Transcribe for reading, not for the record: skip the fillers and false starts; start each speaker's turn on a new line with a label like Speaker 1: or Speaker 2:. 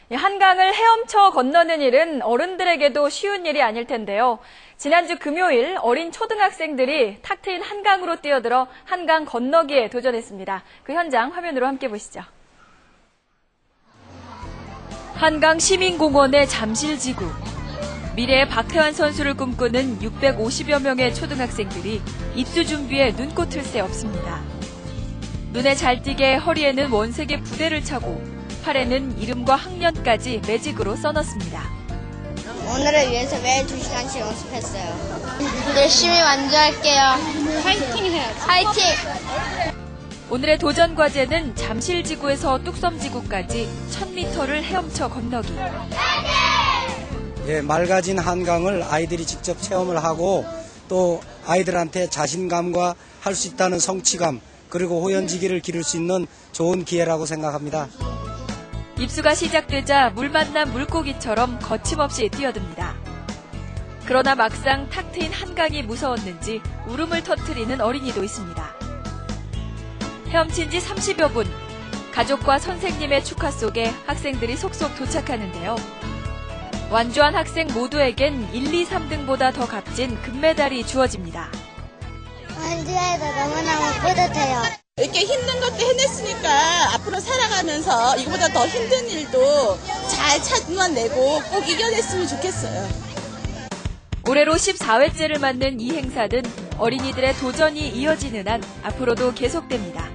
Speaker 1: 한강을 헤엄쳐 건너는 일은 어른들에게도 쉬운 일이 아닐 텐데요. 지난주 금요일 어린 초등학생들이 탁 트인 한강으로 뛰어들어 한강 건너기에 도전했습니다. 그 현장 화면으로 함께 보시죠. 한강 시민공원의 잠실지구. 미래의 박태환 선수를 꿈꾸는 650여 명의 초등학생들이 입수 준비에 눈꽃을 새 없습니다. 눈에 잘 띄게 허리에는 원색의 부대를 차고 팔에는 이름과 학년까지 매직으로 써놨습니다.
Speaker 2: 오늘을 위해서 매일 2시간씩 연습했어요.
Speaker 3: 열심히 완주할게요.
Speaker 2: 파이팅 해야지.
Speaker 3: 파이팅!
Speaker 1: 오늘의 도전 과제는 잠실지구에서 뚝섬지구까지 1000m를 헤엄쳐 건너기.
Speaker 4: 맑아진 한강을 아이들이 직접 체험을 하고 또 아이들한테 자신감과 할 수 있다는 성취감 그리고 호연지기를 기를 수 있는 좋은 기회라고 생각합니다.
Speaker 1: 입수가 시작되자 물 만난 물고기처럼 거침없이 뛰어듭니다. 그러나 막상 탁 트인 한강이 무서웠는지 울음을 터뜨리는 어린이도 있습니다. 헤엄친 지 30여 분, 가족과 선생님의 축하 속에 학생들이 속속 도착하는데요. 완주한 학생 모두에겐 1, 2, 3등보다 더 값진 금메달이 주어집니다.
Speaker 2: 완주해서 너무너무 뿌듯해요.
Speaker 5: 이렇게 힘든 것도 해냈으니까 앞으로 살아가면서 이거보다 더 힘든 일도 잘 참아내고 꼭 이겨냈으면 좋겠어요.
Speaker 1: 올해로 14회째를 맞는 이 행사는 어린이들의 도전이 이어지는 한 앞으로도 계속됩니다.